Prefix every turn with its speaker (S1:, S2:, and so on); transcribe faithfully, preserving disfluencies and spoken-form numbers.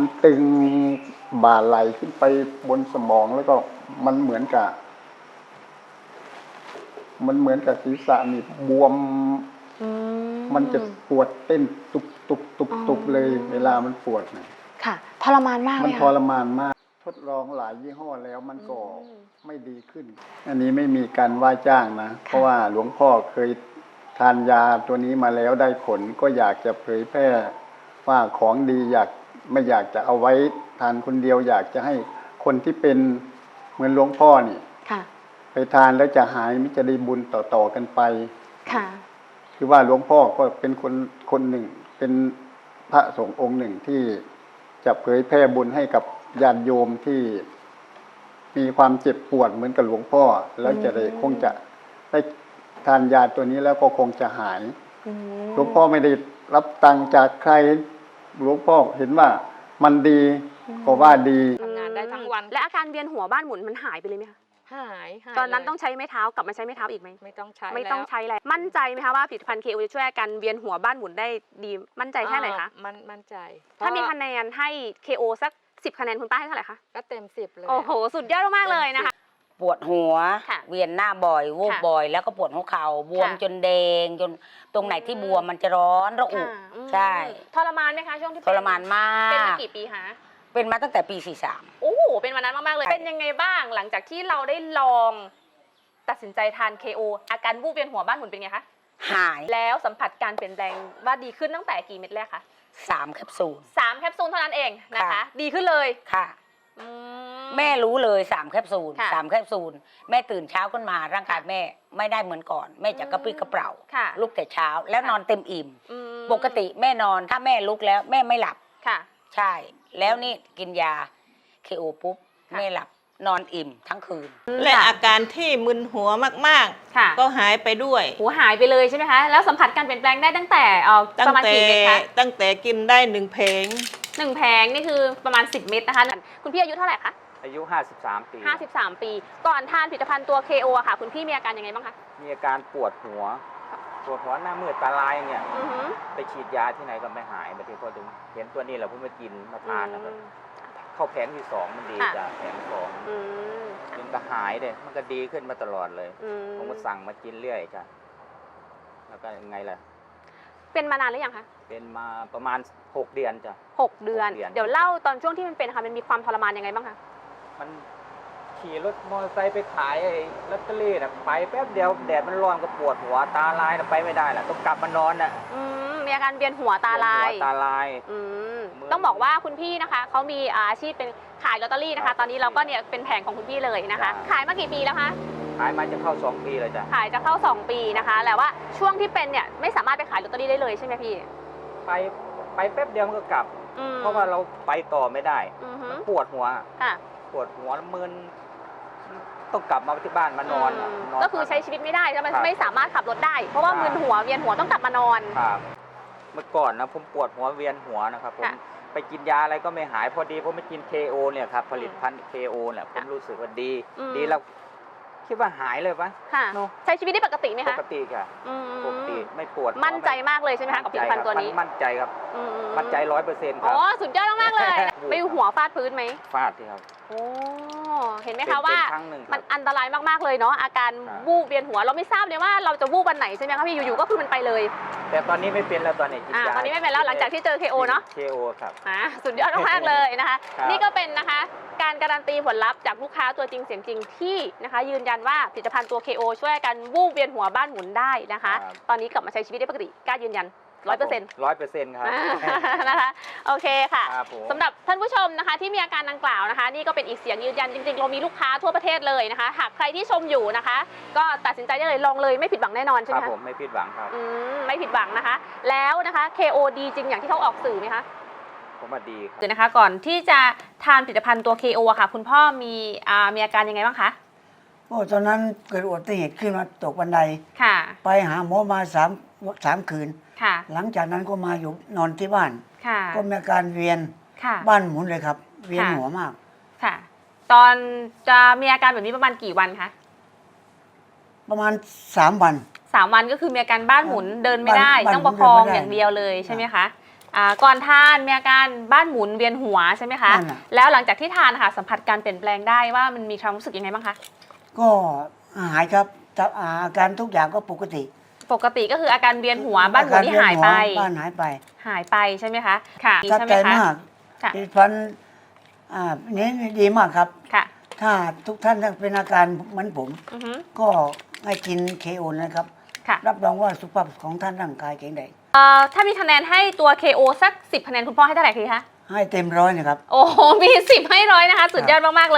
S1: ตึงบ่าไหลขึ้นไปบนสมองแล้วก็มันเหมือนกับมันเหมือนกับศีรษะนี่บวมมันจะปวดเต้นตุบตุบตุบตุบเลยเวลามันปวดนะ
S2: ค่ะทรมานมากเลย
S1: มันทรมานมากทดลองหลายยี่ห้อแล้วมันก็ไม่ดีขึ้นอันนี้ไม่มีการว่าจ้างนะเพราะว่าหลวงพ่อเคยทานยาตัวนี้มาแล้วได้ผลก็อยากจะเผยแพร่ว่าของดีอยากไม่อยากจะเอาไว้ทานคนเดียวอยากจะให้คนที่เป็นเหมือนหลวงพ่อนี่ไปทานแล้วจะหายมิจะได้บุญต่อๆกันไปค่ะคือว่าหลวงพ่อก็เป็นคนคนหนึ่งเป็นพระสงฆ์องค์หนึ่งที่จะเผยแพร่บุญให้กับญาติโยมที่มีความเจ็บปวดเหมือนกับหลวงพ่อแล้วจะได้คงจะได้ทานยาตัวนี้แล้วก็คงจะหายหลวงพ่อไม่ได้รับตังค์จากใครหลวงพ่อเห็นว่ามันดีก็ว่าดี
S2: ทำงานได้ทั้งวันและอาการเวียนหัวบ้านหมุนมันหายไปเลยไหมคะ
S3: หาย
S2: ตอนนั้นต้องใช้ไม้เท้ากลับมาใช้ไม้เท้าอีกไหม
S3: ไม่ต้องใช้
S2: ไม่ต้องใช้แล้วมั่นใจไหมคะว่าผลิตภัณฑ์เคโอจะช่วยอาการเวียนหัวบ้านหมุนได้ดีมั่นใจแค่ไหนคะ
S3: มันมั่นใจ
S2: ถ้ามีคะแนนให้เคโอสักสิบคะแนนคุณป้าให้เท่าไหร่คะ
S3: ก็เต็มสิบเลย
S2: โอ้โหสุดยอดมากเลยนะคะ
S4: ปวดหัวเวียนหน้าบ่อยวูบบ่อยแล้วก็ปวดหัวเข่าบวมจนแดงจนตรงไหนที่บวมมันจะร้อนระอุใช่
S2: ทรมานไหมคะช่วงที่
S4: ทรมานมาก
S2: เป็นมากี่ปีคะ
S4: เป็นมาตั้งแต่ปีสี่สาม
S2: โอ้โหเป็นวันนั้นมากๆเลยเป็นยังไงบ้างหลังจากที่เราได้ลองตัดสินใจทาน เค โอ อาการวูบเวียนหัวบ้านหมุนเป็นไงคะ
S4: หาย
S2: แล้วสัมผัสการเปลี่ยนแปลงว่าดีขึ้นตั้งแต่กี่เม็ดแรกคะ
S4: สามแคปซูล
S2: สามแคปซูลเท่านั้นเองนะคะดีขึ้นเลย
S4: ค่ะแม่รู้เลยสามแคปซูลสามแคปซูลแม่ตื่นเช้าขึ้นมาร่างกายแม่ไม่ได้เหมือนก่อนแม่จะกระปรี้กระเปร่าลุกแต่เช้าแล้วนอนเต็มอิ่มปกติแม่นอนถ้าแม่ลุกแล้วแม่ไม่หลับ
S2: ค่ะ
S4: ใช่แล้วนี่กินยา เค โอ ปุ๊บแม่หลับนอนอิ่มทั้งคืน
S5: และอาการที่มึนหัวมากๆก็หายไปด้วย
S2: หัวหายไปเลยใช่ไหมคะแล้วสัมผัสการเปลี่ยนแปลงได้ตั้งแต่ประมาณกี่เม็ดคะ
S5: ตั้งแต่กินได้หนึ่งเพลง
S2: หนึ่งแผงนี่คือประมาณสิบเม็ดนะคะคุณพี่อายุเท่าไหร่คะ
S6: อายุห้าสิบสามปี
S2: ห้าสิบสามปีก่อนทานผลิตภัณฑ์ตัว เค โอ อะค่ะคุณพี่มีอาการยังไงบ้างคะ
S6: มีอาการปวดหัวปวดหัวหน้ามืดตาลายเนี่ยไปฉีดยาที่ไหนก็ไม่หายบางทีพอถึงเห็นตัวนี้แหละผมมากินมาทานนะครับเข้าแผงที่สองมันดีจ้ะแผงสองมันก็หายเลยมันก็ดีขึ้นมาตลอดเลยผมก็สั่งมากินเรื่อยจ้ะแล้วก็ยังไงล่ะ
S2: เป็นมานานหรือยังคะ
S6: เป็นมาประมาณหกเดือนจ้ะ
S2: หกเดือนเดี๋ยวเล่าตอนช่วงที่มันเป็นค่ะมันมีความทรมานยังไงบ้างคะ
S6: มันขี่รถมอเตอร์ไซค์ไปขายไอ้ลอตเตอรี่น่ะไปแป๊บเดียวแดดมันร้อนก็ปวดหัวตาลายน่ะไปไม่ได้น่ะต้องกลับมานอนน่ะ
S2: อืมมีอาการเวียนหัวตาลาย
S6: ตาลาย
S2: อืมต้องบอกว่าคุณพี่นะคะเขามีอาชีพเป็นขายลอตเตอรี่นะคะตอนนี้เราก็เนี่ยเป็นแผงของคุณพี่เลยนะคะขายมากี่ปีแล้วคะ
S6: ขายมาจะเข้าสองปีเลยจ้ะ
S2: ขายจะเข้าสองปีนะคะแต่ว่าช่วงที่เป็นเนี่ยไม่สามารถไปขายลอตเตอรี่ได้เลยใช่ไหมพี่
S6: ไปไปแป๊บเดียวมันก็กลับเพราะว่าเราไปต่อไม่ได้ปวดหัวปวดหัวมึนต้องกลับมาที่บ้านมานอน
S2: ก็คือใช้ชีวิตไม่ได้ใช่ไหมไม่สามารถขับรถได้เพราะว่ามึนหัวเวียนหัวต้องกลับมานอน
S6: ครับเมื่อก่อนนะผมปวดหัวเวียนหัวนะครับผมไปกินยาอะไรก็ไม่หายพอดีผมไปกิน เค โอ เนี่ยครับผลิตภัณฑ์ เค โอ เนี่ยผมรู้สึกว่าดีดีแล้วคิดว่าหายเลยปะ
S2: ค่ะใช้ชีวิตได้ปกติไหมคะ
S6: ปกติค่ะปกติไม่ปวด
S2: มั่นใจมากเลยใช่ไหมคะกับผลิตภัณฑ์ตัวนี้
S6: มั่นใจครับมั่นใจร้อยเปอร์เซ็นต์ครับ
S2: อ๋อสุดยอดมากเลยไม่หัวฟาดพื้นไหม
S6: ฟาดที่ครับ
S2: โอ้เห็นไหมคะว่ามันอันตรายมากๆเลยเนาะอาการวูบเวียนหัวเราไม่ทราบเลยว่าเราจะวูบวันไหนใช่ไหมคะพี่อยู่ๆก็คือมันไปเลย
S6: แต่ตอนนี้ไม่เป็นแล้วตอนนี้
S2: ตอนนี้ไม่เป็นแล้วหลังจากที่เจอ เค โอ เนาะ
S6: เค โอ ครับ
S2: อ่าสุดยอดมากเลยนะคะนี่ก็เป็นนะคะการการันตีผลลัพธ์จากลูกค้าตัวจริงเสียงจริงที่นะคะยืนยันว่าผลิตภัณฑ์ตัว เค โอ ช่วยกันวูบเวียนหัวบ้านหมุนได้นะคะตอนนี้กลับมาใช้ชีวิตได้ปกติกล้ายืนยันร้อยเปอร์เซ็นต์
S6: ร้อยเปอร์เซ็นต์ครับ
S2: นะคะโอเคค่ะสำหรับท่านผู้ชมนะคะที่มีอาการดังกล่าวนะคะนี่ก็เป็นอีกเสียงยืนยันจริงๆเรามีลูกค้าทั่วประเทศเลยนะคะหากใครที่ชมอยู่นะคะก็ตัดสินใจได้เลยลองเลยไม่ผิดหวังแน่นอนใช่ไหม
S6: คะครับผมไม่ผิดหวังครับ
S2: อืมไม่ผิดหวังนะคะแล้วนะคะ เค โอ ดีจริงอย่างที่เขาออกสื่อไหมคะ
S6: ผมว่าดีครับ
S2: เดี๋ยวนะคะก่อนที่จะทานผลิตภัณฑ์ตัว เค โอ ค่ะคุณพ่อมีอ่ามีอาการยังไงบ้างคะ
S7: โอ้ตอนนั้นเกิดอุบัติเหตุขึ้นมาตกบันได
S2: ค่ะ
S7: ไปหาหมอมาสามสามคืน
S2: ค่ะ
S7: หลังจากนั้นก็มาอยู่นอนที่บ้าน
S2: ค่ะ
S7: ก็มีอาการเวียน
S2: ค่ะ
S7: บ้านหมุนเลยครับเวียนหัวมาก
S2: ค่ะตอนจะมีอาการแบบนี้ประมาณกี่วันคะ
S7: ประมาณสามวัน
S2: สามวันก็คือมีอาการบ้านหมุนเดินไม่ได้ต้องประคองอย่างเดียวเลยใช่ไหมคะอ่าก่อนทานมีอาการบ้านหมุนเวียนหัวใช่ไหมคะ
S7: นั่นน่ะ
S2: แล้วหลังจากที่ทานค่ะสัมผัสการเปลี่ยนแปลงได้ว่ามันมีความรู้สึกยังไงบ้างคะ
S7: ก็หายครับแต่อาการทุกอย่างก็ปกติ
S2: ปกติก็คืออาการเวียนหัวบ้านหมุนที่หายไป
S7: อการเวีนหัวบ้านหายไป
S2: หายไปใช่ไหมคะค่ะ
S7: ทับ
S2: ใช่ไหม
S7: ใจ
S2: คะ
S7: มาก
S2: ค่ะ
S7: ผลิตภัณฑ์อ่านี้ดีมากครับ
S2: ค่ะ
S7: ถ้าทุกท่านเป็นอาการเหมือนผม
S2: อือฮึ
S7: ก็ให้กินเคโอนะครับ
S2: ค่ะ
S7: รับรองว่าสุขภาพของท่านร่างกายแข็งแรง
S2: เอ่อถ้ามีคะแนนให้ตัว เค โอ สักสิบคะแนนคุณพ่อให้เท่าไหร่คะ
S7: ให้เต็มร้อยนะครับ
S2: โอ้โหมีสิบให้ร้อยนะคะ สุดยอดมากๆเลย